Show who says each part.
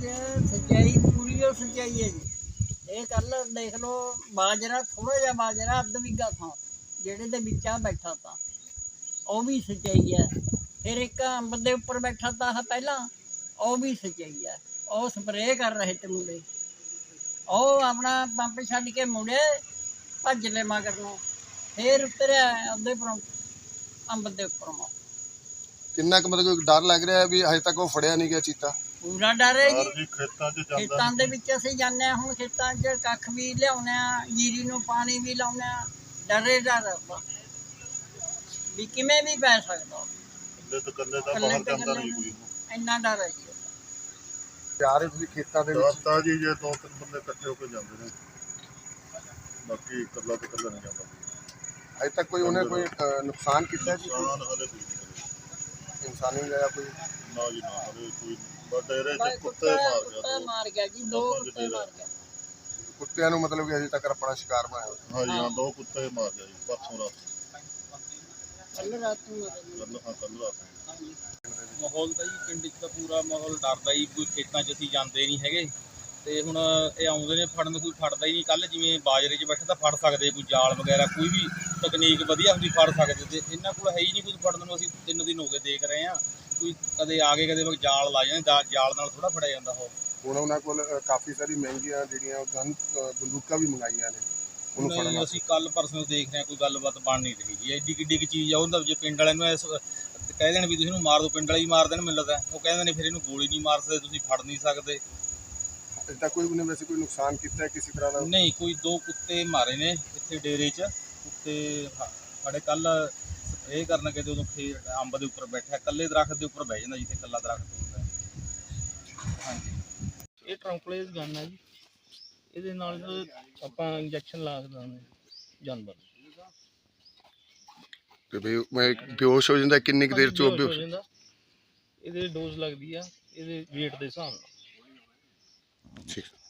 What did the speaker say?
Speaker 1: ਸੱਚਾਈ ਪੂਰੀ ਉਹ ਸੱਚਾਈ ਹੈ ਜੀ। ਇਹ ਕੱਲ ਦੇਖ ਲਓ ਬਾਜਰਾ, ਥੋੜਾ ਜਿਹਾ ਬਾਜਰਾ ਅੱਧ ਵਿਗਾ ਥਾਂ ਜਿਹੜੇ ਦੇ ਵਿੱਚ ਆ ਬੈਠਾ ਤਾ, ਉਹ ਵੀ ਸੱਚਾਈ ਹੈ। ਫਿਰ ਇੱਕ ਅੰਬ ਦੇ ਉੱਪਰ ਬੈਠਾ ਤਾ ਪਹਿਲਾਂ, ਉਹ ਵੀ ਸੱਚਾਈ ਹੈ। ਉਹ ਸਪਰੇਅ ਕਰ ਰਹੇ ਤੇ ਮੁੰਡੇ, ਉਹ ਆਪਣਾ ਪੰਪ ਛੱਡ ਕੇ ਮੁੜੇ ਭੱਜ ਲੈ ਮਗਰ ਨੂੰ, ਫਿਰ ਉਤਰਿਆ ਉਹਦੇ ਉੱਪਰੋਂ, ਅੰਬ ਦੇ ਉੱਪਰੋਂ।
Speaker 2: ਕਿੰਨਾ ਕੁ ਮਤਲਬ ਡਰ ਲੱਗ ਰਿਹਾ ਵੀ ਹਜੇ ਤੱਕ ਉਹ ਫੜਿਆ ਨਹੀਂ ਗਿਆ ਚੀਤਾ?
Speaker 1: ਪੂਰਾ ਡਰ ਹੈ ਜੀ। ਖੇਤਾਂ ਦੇ ਵਿੱਚ ਅਸੀਂ ਜਾਂਦੇ ਹਾਂ, ਹੁਣ ਖੇਤਾਂ 'ਚ ਕੱਖ ਵੀ ਲਿਆਉਂਦੇ ਹਾਂ, ਜੀਰੀ ਨੂੰ ਪਾਣੀ ਵੀ ਲਾਉਂਦੇ ਹਾਂ, ਡਰੇ ਡਰ ਵੀ ਕਿਵੇਂ ਵੀ ਪੈ ਸਕਦਾ। ਇੰਨਾ ਡਰ ਹੈ ਜੀ।
Speaker 2: ਜਾ ਰਹੇ ਤੁਸੀਂ ਖੇਤਾਂ ਦੇ ਵਿੱਚ
Speaker 3: ਤਾਂ ਜੀ ਜੇ 2-3 ਬੰਦੇ ਇਕੱਠੇ ਹੋ ਕੇ ਜਾਂਦੇ ਨੇ, ਬਾਕੀ ਇਕੱਲਾ ਤੇ ਇਕੱਲਾ ਨਹੀਂ ਜਾਂਦਾ।
Speaker 2: ਹਜੇ ਤੱਕ ਕੋਈ ਉਹਨੇ ਕੋਈ ਨੁਕਸਾਨ ਕੀਤਾ ਜੀ?
Speaker 3: ਹਲੇ
Speaker 2: ਇਨਸਾਨੀ ਹੋਇਆ ਕੋਈ?
Speaker 3: ਨਾ ਜੀ ਨਾ, ਹਲੇ ਕੋਈ ਡੇਰੇ ਚ ਕੁੱਤੇ
Speaker 1: ਮਾਰ ਗਿਆ ਜੀ, 2 ਕੁੱਤੇ ਮਾਰ ਗਿਆ।
Speaker 2: ਕੁੱਤਿਆਂ ਨੂੰ ਮਤਲਬ ਕਿ ਅਜੇ ਤੱਕ ਆਪਣਾ ਸ਼ਿਕਾਰ ਬਣਾਇਆ?
Speaker 3: ਹਾਂ ਜੀ ਹਾਂ, 2 ਕੁੱਤੇ ਮਾਰ ਗਿਆ ਜੀ ਪਰਸੋਂ ਰਾਤ।
Speaker 1: ਕੱਲ ਰਾਤ ਨੂੰ
Speaker 3: ਕੱਲ ਰਾਤ।
Speaker 4: ਮਾਹੌਲ ਤਾਂ ਜੀ ਪਿੰਡ 'ਚ ਤਾਂ ਪੂਰਾ ਮਾਹੌਲ ਡਰਦਾ ਹੀ, ਕੋਈ ਖੇਤਾਂ 'ਚ ਅਸੀਂ ਜਾਂਦੇ ਨਹੀਂ ਹੈਗੇ। ਤੇ ਹੁਣ ਇਹ ਆਉਂਦੇ ਨੇ ਫੜਨ, ਕੋਈ ਫੜਦਾ ਹੀ ਨਹੀਂ। ਕੱਲ੍ਹ ਜਿਵੇਂ ਬਾਜਰੇ 'ਚ ਬੈਠੇ ਤਾਂ ਫੜ ਸਕਦੇ, ਕੋਈ ਜਾਲ ਵਗੈਰਾ ਕੋਈ ਵੀ ਤਕਨੀਕ ਵਧੀਆ ਹੁੰਦੀ ਫੜ ਸਕਦੇ, ਤੇ ਇਹਨਾਂ ਕੋਲ ਹੈ ਹੀ ਨਹੀਂ ਕੁਝ ਫੜਨ ਨੂੰ। ਅਸੀਂ 3 ਦਿਨ ਹੋ ਗਏ ਦੇਖ ਰਹੇ ਹਾਂ, ਕੋਈ ਕਦੇ ਆ ਗਏ ਕਦੇ ਜਾਲ ਲਾ ਜਾਂਦੇ, ਜਾਲ ਨਾਲ ਥੋੜ੍ਹਾ ਫੜਿਆ ਜਾਂਦਾ। ਉਹ
Speaker 2: ਹੁਣ ਉਹਨਾਂ ਕੋਲ ਕਾਫੀ ਸਾਰੀ ਮਹਿੰਗੀਆਂ ਜਿਹੜੀਆਂ ਬੰਦੂਕਾਂ ਵੀ ਮੰਗਾਈਆਂ ਨੇ ਉਹਨੂੰ ਫੜਨ ਵਾਸਤੇ।
Speaker 4: ਅਸੀਂ ਕੱਲ੍ਹ ਪਰਸੋਂ ਦੇਖ ਰਹੇ ਹਾਂ, ਕੋਈ ਗੱਲਬਾਤ ਬਣ ਨਹੀਂ ਰਹੀ ਜੀ। ਐਡੀ ਕਿੱਡੀ ਕੁ ਚੀਜ਼ ਆ, ਉਹਦਾ ਜੇ ਪਿੰਡ ਵਾਲਿਆਂ ਨੂੰ ਕਹਿ ਦੇਣ ਵੀ ਤੁਸੀਂ ਇਹਨੂੰ ਮਾਰ ਦਿਓ, ਪਿੰਡ ਵਾਲੇ ਹੀ ਮਾਰ ਦੇਣ ਮੈਨੂੰ ਲੱਗਦਾ। ਉਹ ਕਹਿੰਦੇ ਨੇ ਫਿਰ ਇਹਨੂੰ ਗੋਲੀ ਨਹੀਂ ਮਾਰ ਸਕਦੇ, ਤੁਸੀਂ ਫੜ ਨਹੀਂ ਸਕਦੇ।
Speaker 2: ਇੱਦਾਂ ਕੋਈ ਉਹਨੇ ਵੈਸੇ ਕੋਈ ਨੁਕਸਾਨ ਕੀਤਾ ਕਿਸੇ ਤਰ੍ਹਾਂ ਦਾ?
Speaker 4: ਨਹੀਂ, ਕੋਈ 2 ਕੁੱਤੇ ਮਾਰੇ ਨੇ ਇੱਥੇ ਡੇਰੇ 'ਚ। ਕੁੱਤੇ ਸਾਡੇ ਕੱਲ੍ਹ ਇਹ ਕਰਨ ਕਿ ਜਦੋਂ ਅੰਬ ਦੇ ਉੱਪਰ ਬੈਠਿਆ, ਇਕੱਲੇ ਦਰਖਤ ਦੇ ਉੱਪਰ ਬਹਿ ਜਾਂਦਾ ਜਿੱਥੇ ਇਕੱਲਾ ਦਰਖਤ ਹੁੰਦਾ। ਹਾਂਜੀ, ਇਹ ਟਰੰਕਲੇਸ ਗਨ ਹੈ ਜੀ, ਇਹਦੇ ਨਾਲ ਆਪਾਂ ਇੰਜੈਕਸ਼ਨ ਲਾ ਸਕਦੇ ਹਾਂ ਜਾਨਵਰ।
Speaker 2: ਤੇ ਵੀ ਮੈਂ ਬੇਹੋਸ਼ ਹੋ ਜਾਂਦਾ ਕਿੰਨੀ ਕੁ ਦੇਰ ਚ?
Speaker 4: ਹੋ ਜਾਂਦਾ, ਇਹਦੇ ਡੋਜ਼ ਲੱਗਦੀ ਆ ਇਹਦੇ weight ਦੇ ਹਿਸਾਬ ਨਾਲ।
Speaker 2: ਠੀਕ।